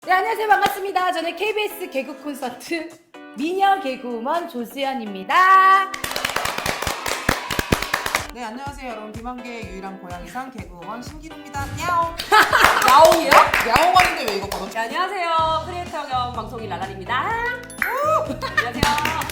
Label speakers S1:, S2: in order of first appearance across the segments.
S1: 네, 안녕하세요. 반갑습니다. 저는 KBS 개그 콘서트 미녀 개그우먼 조수연입니다.
S2: 네, 안녕하세요 여러분. 비만계의 유일한 고양이상 개그우먼 신기루입니다. 야옹.
S3: 야옹이요?
S2: 야옹 하는데 왜 이거 걸어?
S3: 네, 안녕하세요. 크리에이터 겸 방송인 랄랄입니다. 안녕하세요.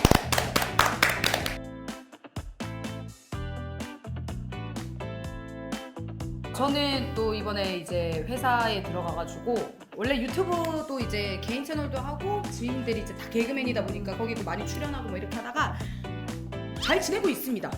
S1: 저는 또 이번에 이제 회사에 들어가가지고 원래 유튜브도 이제 개인 채널도 하고 지인들이 이제 다 개그맨이다 보니까 거기도 많이 출연하고 뭐 이렇게 하다가 잘 지내고 있습니다.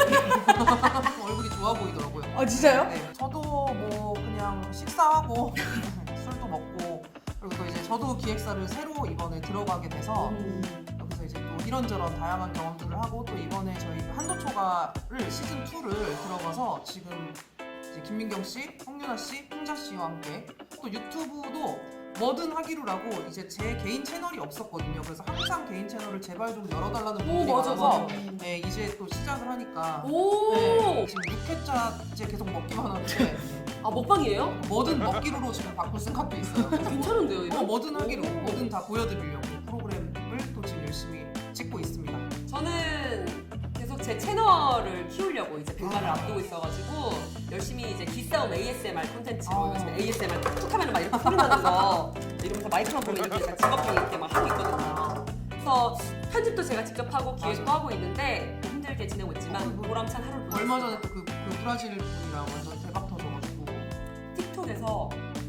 S2: 얼굴이 좋아 보이더라고요.
S1: 아 진짜요?
S2: 네, 저도 뭐 그냥 식사하고 술도 먹고 그리고 또 이제 저도 기획사를 새로 이번에 들어가게 돼서 여기서 이제 또 이런저런 다양한 경험들을 하고 또 이번에 저희 한도초가를 시즌 2를 들어가서 지금 이제 김민경 씨, 홍윤아 씨, 홍자 씨와 함께 또 유튜브도 뭐든 하기로라고 이제 제 개인 채널이 없었거든요. 그래서 항상 개인 채널을 제발 좀 열어달라는 분들이
S3: 맞아,
S2: 많아서
S3: 맞아.
S2: 네, 이제 또 시작을 하니까
S3: 오.
S2: 네, 지금 6회차째 계속 먹기만 하는데
S3: 아 먹방이에요?
S2: 뭐든 먹기로로 지금 바꿀 생각도 있어요.
S3: 괜찮은데요 이거?
S2: 뭐든 하기로,
S3: 오.
S2: 뭐든 다 보여드리려고 프로그램을 또 지금 열심히 찍고 있습니다.
S3: 저는 계속 제 채널을 키우려고 이제 100만을 앞두고 있어가지고 열심히 이제 기싸움 ASMR 콘텐츠로 요즘 ASMR 툭툭 하면 막 이렇게 소리 나면서 이러면서 마이크만 보면 이렇게 제가 직업병 이렇게 막 하고 있거든요. 그래서 편집도 제가 직접 하고 기획도 하고 있는데 힘들게 지내고 있지만 보람찬 하루를 보내고
S2: 얼마 전에 또 그 브라질 분이랑 완전 대박 터져가지고
S3: 틱톡에서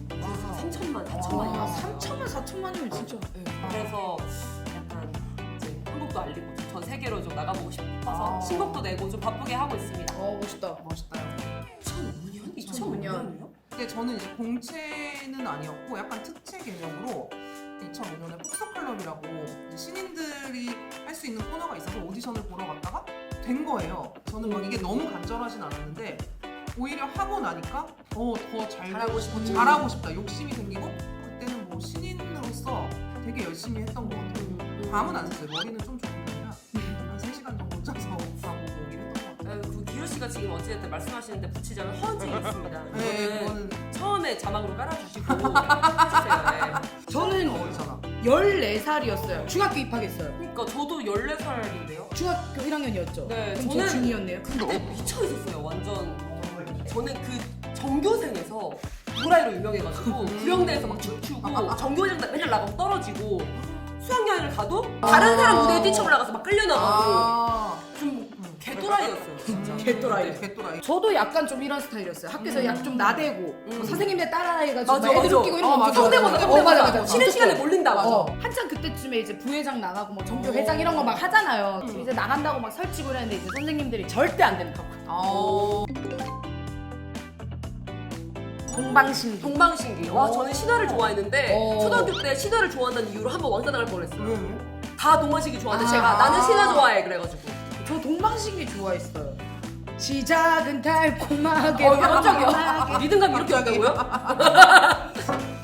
S3: 3천만, 4천만이요.
S1: 아, 3천만, 4천만이면 진짜.
S3: 그래서 약간 이제 한국도 알리고 전 세계로 좀 나가보고 싶어서 신곡도 내고 좀 바쁘게 하고 있습니다.
S1: 멋있다.
S2: 멋있다요.
S3: 2005년?
S1: 2005년.
S2: 근데 저는 이제 공채는 아니었고 약간 특채 개념으로 2005년에 폭스클럽이라고 이제 신인들이 할 수 있는 코너가 있어서 오디션을 보러 갔다가 된 거예요. 저는 막 이게 너무 간절하진 않았는데 오히려 하고 나니까 더
S3: 잘하고 싶은
S2: 잘하고 싶다 욕심이 생기고 그때는 뭐 신인으로서 되게 열심히 했던 것 같아요. 밤은 안 샜어요. 머리는 좀 좋은 편이라 한 3시간 정도 짜서 자고 오긴 했던 것 같아요.
S3: 그 기루 씨가 지금 어찌됐든 말씀하시는데 붙이자면 허언증이 있습니다.
S2: 네,
S3: 이거는
S2: 그거는
S3: 처음에 자막으로 깔아주시고 해주세요. 네.
S1: 저는
S2: 어리잖아.
S1: 14살이었어요. 중학교 입학했어요.
S3: 그러니까 저도 14살인데요.
S1: 중학교 1학년이었죠.
S3: 네,
S1: 그럼
S3: 저는
S1: 저 중2였네요.
S3: 그때 미쳐 있었어요. 완전. 저는 그 전교생에서 도라이로 유명해가지고 구령대에서 막 춤추고 전교생 맨날 나가고 떨어지고 수학여행을 가도 다른 사람 무대에 뛰쳐올라가서 막 끌려나가고 좀 개또라이였어요. 진짜.
S1: 개또라이.
S2: 네, 개또라이.
S1: 저도 약간 좀 이런 스타일이었어요. 학교에서 약 좀 나대고 뭐 선생님들 따라해가지고
S3: 맞아,
S1: 막 애들
S3: 맞아.
S1: 웃기고 이런 거
S2: 맞아,
S1: 엄청
S3: 성대모사,
S1: 하고.
S3: 성대모사.
S1: 맞아, 맞아.
S3: 쉬는 시간에 몰린다, 맞아.
S1: 한참 그때쯤에 이제 부회장 나가고 뭐 전교회장 이런 거 막 하잖아요. 이제 나간다고 막 설치고 이랬는데 이제 선생님들이 절대 안 된다고. 동방신기.
S3: 동방신기. 와, 저는 신화를 좋아했는데
S1: 오.
S3: 초등학교 때 신화를 좋아한다는 이유로 한번 왕따 나갈 뻔했어요.
S2: 왜?
S3: 다 동방신기 좋아하는데
S1: 아.
S3: 제가 나는 신화 좋아해 그래가지고.
S1: 저 동방신기 좋아했어요. 시작은 달콤하게.
S3: 깜짝이야. 리듬감 이렇게
S2: 갑자기?
S3: 한다고요?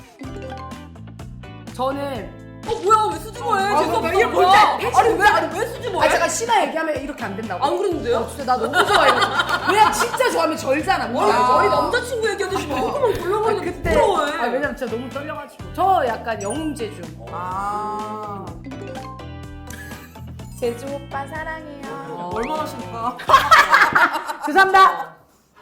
S1: 저는
S3: 뭐야 왜 수줍어해?
S1: 아,
S3: 죄송합니다.
S1: 이게 뭘 때?
S3: 아니 왜 수줍어해?
S1: 제가 신화 얘기하면 이렇게 안 된다고.
S3: 안 그랬는데요?
S1: 진짜 나 너무 좋아해요. 왜냐면 진짜 좋아하면 절잖아. 뭔가.
S3: 아니 남자친구 얘기하듯이 조금만 골라보는 게
S1: 그때
S3: 부끄러워해.
S1: 왜냐면 진짜 너무 떨려가지고. 저 약간 영웅제주. 제주 오빠 사랑해요.
S2: 얼마나 싫까?
S1: 죄송합니다.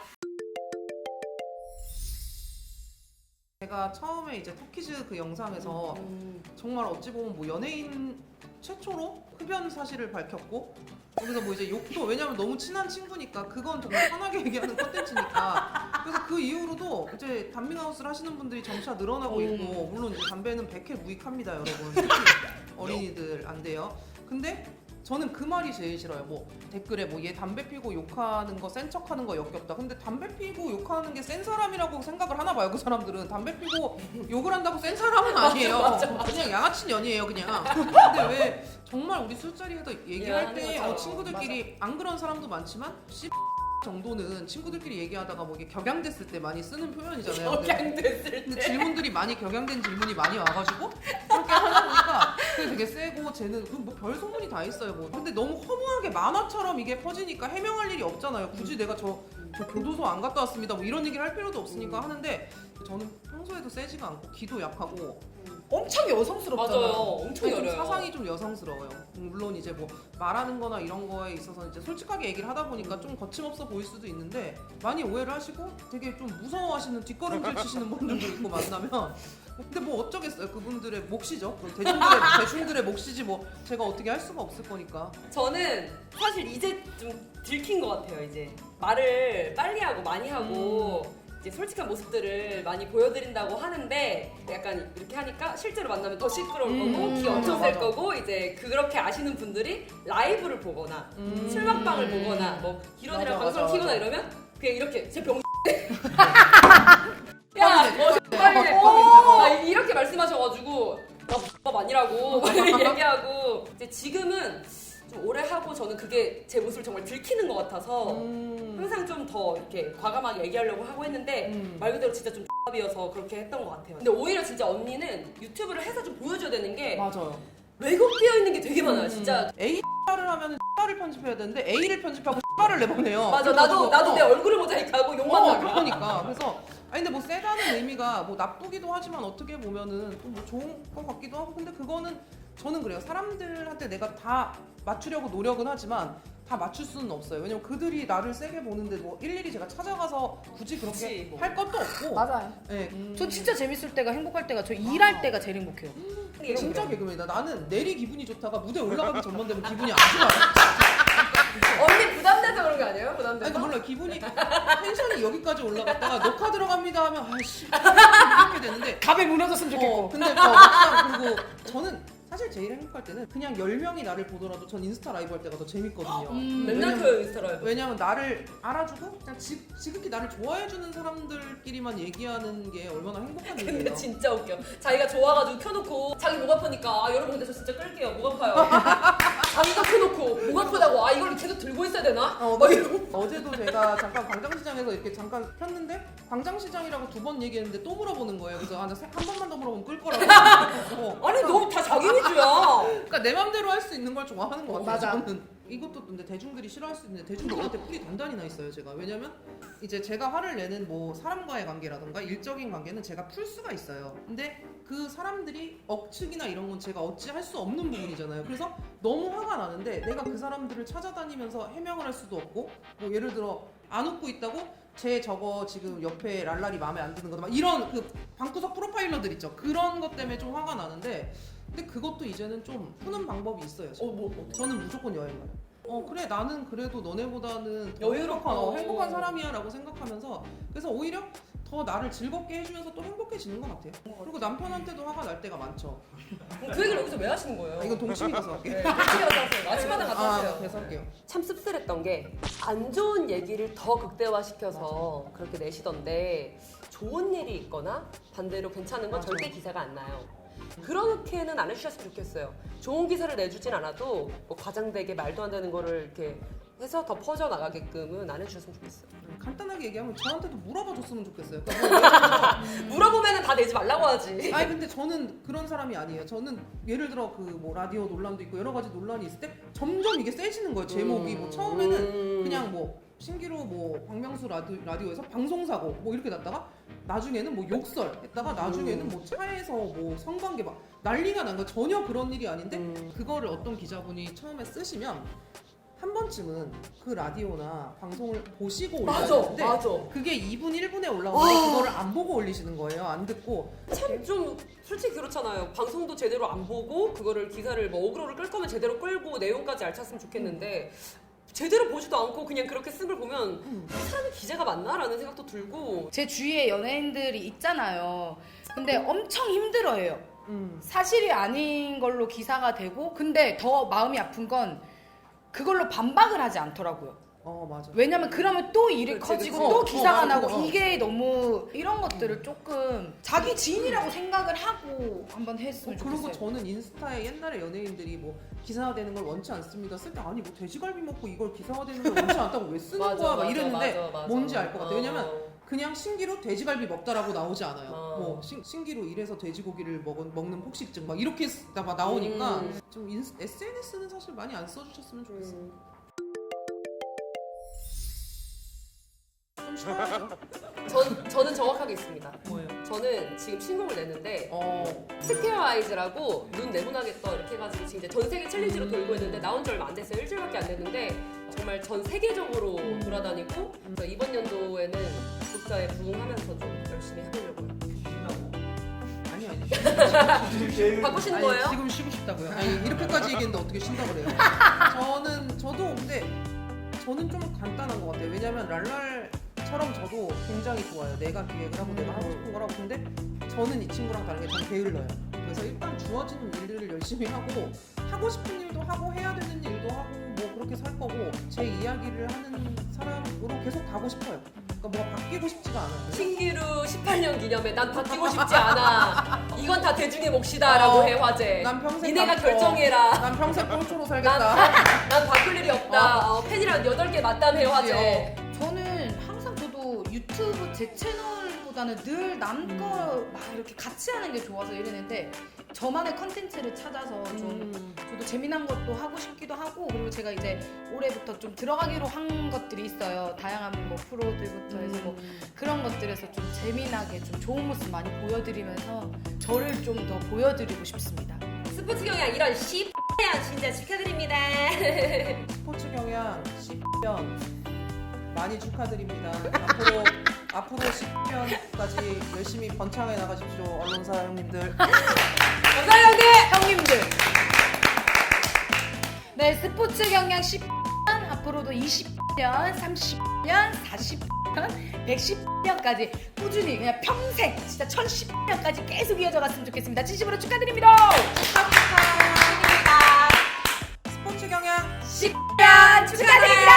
S2: 제가 처음에 이제 토키즈 그 영상에서 정말 어찌 보면 뭐 연예인 최초로 흡연 사실을 밝혔고 여기서 뭐 이제 욕도 왜냐면 너무 친한 친구니까 그건 정말 편하게 얘기하는 컨텐츠니까 그래서 그 이후로도 이제 담밍아웃을 하시는 분들이 점차 늘어나고 있고 물론 이제 담배는 100회 무익합니다 여러분. 특히 어린이들 안 돼요. 근데 저는 그 말이 제일 싫어요. 뭐 댓글에 뭐 얘 담배 피고 욕하는 거 센 척하는 거 역겹다. 근데 담배 피고 욕하는 게 센 사람이라고 생각을 하나 봐요. 그 사람들은 담배 피고 욕을 한다고 센 사람은 아니에요. 그냥 양아치 년이에요 그냥. 근데 왜 정말 우리 술자리에서 얘기할 때 친구들끼리 안 그런 사람도 많지만 정도는 친구들끼리 얘기하다가 뭐 이게 격양됐을 때 많이 쓰는 표현이잖아요. 근데
S3: 격양됐을
S2: 근데
S3: 때.
S2: 질문들이 많이 격양된 질문이 많이 와가지고 그렇게 하다 보니까 그게 되게 세고 쟤는 뭐 별 소문이 다 있어요. 뭐 근데 너무 허무하게 만화처럼 이게 퍼지니까 해명할 일이 없잖아요. 굳이 내가 저 교도소 안 갔다 왔습니다. 뭐 이런 얘기를 할 필요도 없으니까 하는데 저는 평소에도 세지가 않고 기도 약하고
S1: 엄청 여성스럽잖아요.
S3: 맞아요. 엄청
S2: 좀
S3: 열어요.
S2: 사상이 좀 여성스러워요. 물론 이제 뭐 말하는 거나 이런 거에 있어서 이제 솔직하게 얘기를 하다 보니까 좀 거침없어 보일 수도 있는데 많이 오해를 하시고 되게 좀 무서워하시는 뒷걸음질 치시는 분들도 있고 만나면 근데 뭐 어쩌겠어요. 그분들의 몫이죠. 대중들의 몫이지 뭐 제가 어떻게 할 수가 없을 거니까.
S3: 저는 사실 이제 좀 들킨 것 같아요. 이제 말을 빨리 하고 많이 하고 이제 솔직한 모습들을 많이 보여드린다고 하는데 약간 이렇게 하니까 실제로 만나면 더 시끄러울 거고 기 엄청 셀
S2: 맞아.
S3: 거고 이제 그렇게 아시는 분들이 라이브를 보거나 술 먹방을 보거나 뭐 기론이랑
S2: 맞아,
S3: 방송을
S2: 맞아,
S3: 키거나
S2: 맞아.
S3: 이러면 그냥 이렇게 제 병.
S2: 야,
S3: 야, 뭐 빨리 해. 아, 이렇게 말씀하셔가지고 나 아니라고 얘기하고 이제 지금은 좀 오래 하고 저는 그게 제 모습을 정말 들키는 것 같아서 항상 좀 더 이렇게 과감하게 얘기하려고 하고 했는데 말 그대로 진짜 좀 X이어서 그렇게 했던 것 같아요. 근데 오히려 진짜 언니는 유튜브를 해서 좀 보여줘야 되는 게
S2: 맞아요.
S3: 왜곡되어 있는 게 되게 많아요. 진짜
S2: A를 하면은 X를 편집해야 되는데 A를 편집하고 X를 내보내요.
S3: 맞아. 나도 내 얼굴을 모자이크하고 욕만 나가.
S2: 그러니까 그래서 아니 근데 뭐 세다는 의미가 뭐 나쁘기도 하지만 어떻게 보면은 또 뭐 좋은 것 같기도 하고 근데 그거는 저는 그래요. 사람들한테 내가 다 맞추려고 노력은 하지만 다 맞출 수는 없어요. 왜냐면 그들이 나를 세게 보는데 뭐 일일이 제가 찾아가서 굳이 그렇게
S3: 그치, 뭐.
S2: 할 것도 없고.
S1: 맞아요.
S2: 네.
S1: 저 진짜 재밌을 때가 행복할 때가 저 일할 때가 제일 행복해요.
S2: 진짜 개그맨이다. 나는 내리 기분이 좋다가 무대 올라가기 전만 되면 기분이 안 좋아요.
S3: 언니 부담돼서 그런 거 아니에요?
S2: 아니
S3: 부담돼서?
S2: 몰라 기분이 텐션이 여기까지 올라갔다가 녹화 들어갑니다 하면 아씨 이렇게 되는데
S1: 갑에 무너졌으면 좋겠고.
S2: 근데 막상 그리고 저는 사실 제일 행복할 때는 그냥 10명이 나를 보더라도 전 인스타 라이브 할 때가 더 재밌거든요.
S3: 맨날 켜요 인스타라이브.
S2: 왜냐면 나를 알아주고 그냥 지극히 나를 좋아해주는 사람들끼리만 얘기하는 게 얼마나 행복한
S3: 근데
S2: 일이에요.
S3: 진짜 웃겨. 자기가 좋아가지고 켜놓고 자기 목 아프니까 아 여러분 근데 저 진짜 끌게요. 목 아파요. 자기가 켜놓고 목 아프다고 아 이걸 계속 들고 있어야 되나? 막 이러고.
S2: 어제도 제가 잠깐 광장시장에서 이렇게 잠깐 켰는데 광장시장이라고 2번 얘기했는데 또 물어보는 거예요. 그래서 한 번만 더 물어보면 끌 거라고.
S3: 아니 너무 다 자기 위주야.
S2: 그러니까 내 맘대로 할 수 있는 걸 좋아하는 것 같아요.
S1: 맞아.
S2: 저는 이것도 근데 대중들이 싫어할 수 있는데 대중들한테 뿔이 단단히 나 있어요. 제가 왜냐면 이제 제가 화를 내는 뭐 사람과의 관계라던가 일적인 관계는 제가 풀 수가 있어요. 근데 그 사람들이 억측이나 이런 건 제가 어찌할 수 없는 부분이잖아요. 그래서 너무 화가 나는데 내가 그 사람들을 찾아다니면서 해명을 할 수도 없고 뭐 예를 들어 안 웃고 있다고 제 저거 지금 옆에 랄랄이 마음에 안 드는 거다 막 이런 그 방구석 프로파일러들 있죠. 그런 것 때문에 좀 화가 나는데 근데 그것도 이제는 좀 푸는 방법이 있어요. 저는 무조건 여행 가요. 그래 나는 그래도 너네보다는 더
S3: 여유롭고.
S2: 행복한 사람이야 라고 생각하면서 그래서 오히려 더 나를 즐겁게 해주면서 또 행복해지는 것 같아요. 그리고 남편한테도 화가 날 때가 많죠.
S3: 그 얘기를 여기서 왜 하시는 거예요?
S2: 이건 동심이 가서 할게요.
S3: 네, 같이 갔다 왔어요. 아침마다 갔다 왔어요.
S2: 그래서 할게요.
S3: 참 씁쓸했던 게 안 좋은 얘기를 더 극대화시켜서 그렇게 내시던데 좋은 일이 있거나 반대로 괜찮은 건
S2: 맞아.
S3: 절대 기사가 안 나요. 그렇게는 안 해주셨으면 좋겠어요. 좋은 기사를 내주진 않아도 뭐 과장되게 말도 안 되는 거를 이렇게 해서 더 퍼져나가게끔은 안 해주셨으면 좋겠어요.
S2: 간단하게 얘기하면 저한테도 물어봐 줬으면 좋겠어요. 그러니까
S3: 물어보면 다 내지 말라고 하지.
S2: 아니 근데 저는 그런 사람이 아니에요. 저는 예를 들어 그 뭐 라디오 논란도 있고 여러 가지 논란이 있을 때 점점 이게 세지는 거예요. 제목이 뭐 처음에는 그냥 뭐 신기루 뭐 박명수 라디오에서 방송사고 뭐 이렇게 났다가 나중에는 뭐 욕설 했다가 나중에는 뭐 차에서 뭐 성관계 막 난리가 난 거 전혀 그런 일이 아닌데 그거를 어떤 기자분이 처음에 쓰시면 한 번쯤은 그 라디오나 방송을 보시고 올려야 되는데 그게 2분 1분에 올라오는데 그거를 안 보고 올리시는 거예요. 안 듣고
S3: 참 좀 솔직히 그렇잖아요. 방송도 제대로 안 보고 그거를 기사를 뭐 어그로를 끌 거면 제대로 끌고 내용까지 알찼으면 좋겠는데 제대로 보지도 않고 그냥 그렇게 쓴 걸 보면 이 사람이 기자가 맞나라는 생각도 들고
S1: 제 주위에 연예인들이 있잖아요. 근데 엄청 힘들어해요. 사실이 아닌 걸로 기사가 되고 근데 더 마음이 아픈 건 그걸로 반박을 하지 않더라고요.
S2: 맞아.
S1: 왜냐면 그러면 또 일이
S3: 그치,
S1: 커지고
S3: 그치.
S1: 또 기사가
S2: 맞아,
S1: 나고
S2: 그거.
S1: 이게 너무 이런 것들을 조금 자기 지인이라고 생각을 하고 한번 했으면
S2: 그리고
S1: 좋겠어요.
S2: 저는 인스타에 옛날에 연예인들이 뭐 기사화되는 걸 원치 않습니다 쓸 때 아니 뭐 돼지갈비 먹고 이걸 기사화되는 걸 원치 않다고 왜 쓰는 거야 막 이랬는데 뭔지 알 것 같아. 왜냐면 그냥 신기루 돼지갈비 먹다라고 나오지 않아요. 뭐 신기루 이래서 돼지고기를 먹는 폭식증 막 이렇게 막 나오니까 좀 SNS는 사실 많이 안 써주셨으면 좋겠어요. 좀 쉬워야죠.
S3: 저는 정확하게 있습니다.
S2: 뭐예요?
S3: 저는 지금 신곡을 냈는데
S2: 어.
S3: 스퀘어 아이즈라고 눈 네모나겠다 이렇게 해가지고 지금 이제 전 세계 챌린지로 돌고 있는데 나온 지 얼마 안 됐어요. 일주일밖에 안 됐는데 정말 전 세계적으로 돌아다니고 그래서 이번 연도에는 독자에 부응하면서 좀 열심히 해보려고요.
S2: 아니.
S3: 바꾸시는 거예요?
S2: 지금 쉬고 싶다고요. 아니 이렇게까지 얘기했는데 어떻게 쉰다고 그래요? 저도 근데 저는 좀 간단한 것 같아요. 왜냐면 랄랄처럼 저도 굉장히 좋아요. 내가 기획을 하고 내가 하고 싶은 걸 하고. 근데 저는 이 친구랑 다른 게 저는 게을러요. 그래서 일단 주어지는 일들을 열심히 하고 싶은 일도 하고 해야 되는 일도 하고 뭐 그렇게 살 거고 제 이야기를 하는 사람으로 계속 가고 싶어요. 그러니까 뭐가 바뀌고 싶지가 않아요.
S3: 신기루 18년 기념에 난 바뀌고 싶지 않아. 이건 다 대중의 몫이다라고 해 화제.
S2: 난 평생
S3: 니네가
S2: 남고,
S3: 결정해라.
S2: 난 평생 꼴초로 살겠다.
S3: 난 바꿀 일이 없다. 팬이랑 8개 맞담해 화제.
S1: 저는 항상 저도 유튜브 제 채널보다는 늘 남 거 막 이렇게 같이 하는 게 좋아서 이랬는데 저만의 컨텐츠를 찾아서 좀 저도 재미난 것도 하고 싶기도 하고 그리고 제가 이제 올해부터 좀 들어가기로 한 것들이 있어요. 다양한 뭐 프로들부터 해서 뭐 그런 것들에서 좀 재미나게 좀 좋은 모습 많이 보여드리면서 저를 좀 더 보여드리고 싶습니다.
S3: 스포츠 경향 이런 씨 진짜 축하드립니다.
S2: 스포츠 경향 10년 많이 축하드립니다. 앞으로 10년까지 열심히 번창해 나가십시오. 언론사 형님들.
S3: 감사합니다
S1: 형님들. 네, 스포츠 경향 10년 앞으로도 20년, 30년, 40년, 110년까지 꾸준히 그냥 평생 진짜 1010년까지 계속 이어져 갔으면 좋겠습니다. 진심으로 축하드립니다.
S2: 스포츠 경향
S1: 10년 축하드립니다.